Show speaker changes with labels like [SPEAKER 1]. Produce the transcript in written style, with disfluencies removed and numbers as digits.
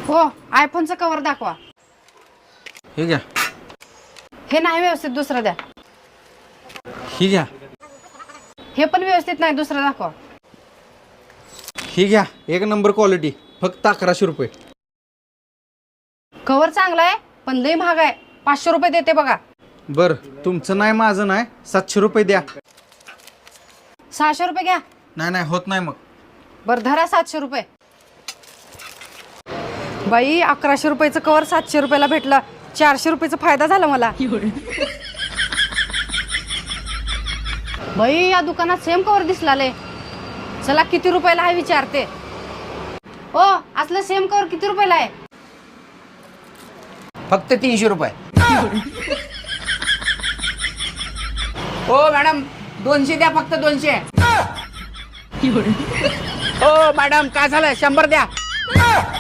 [SPEAKER 1] हो, आयफोनचं कव्हर दाखवा.
[SPEAKER 2] हे घ्या.
[SPEAKER 1] हे नाही व्यवस्थित, दुसरं द्या.
[SPEAKER 2] ही घ्या.
[SPEAKER 1] हे पण व्यवस्थित नाही, दुसरं दाखवा.
[SPEAKER 2] ही घ्या. एक नंबर क्वालिटी, फक्त 1100 रुपये.
[SPEAKER 1] कव्हर चांगला आहे पण लई महाग आहे. 500 रुपये देते बघा.
[SPEAKER 2] बर, तुमचं नाही माझं नाही, 700 रुपये द्या.
[SPEAKER 1] 600 रुपये घ्या.
[SPEAKER 2] नाही नाही, होत नाही मग.
[SPEAKER 1] बरं धरा 700 रुपये. बाई, 1100 रुपयाचं कव्हर 700 रुपयाला भेटलं. 400 रुपयाचा फायदा झाला मला. बाई, या दुकानात सेम कव्हर दिसलाले. चला किती रुपयाला आहे विचारते. ओ, असलं सेम कव्हर किती रुपयाला आहे?
[SPEAKER 3] फक्त 300 रुपये. हो मॅडम, 200 द्या, फक्त 200. हो मॅडम, काय झालं? 100 द्या.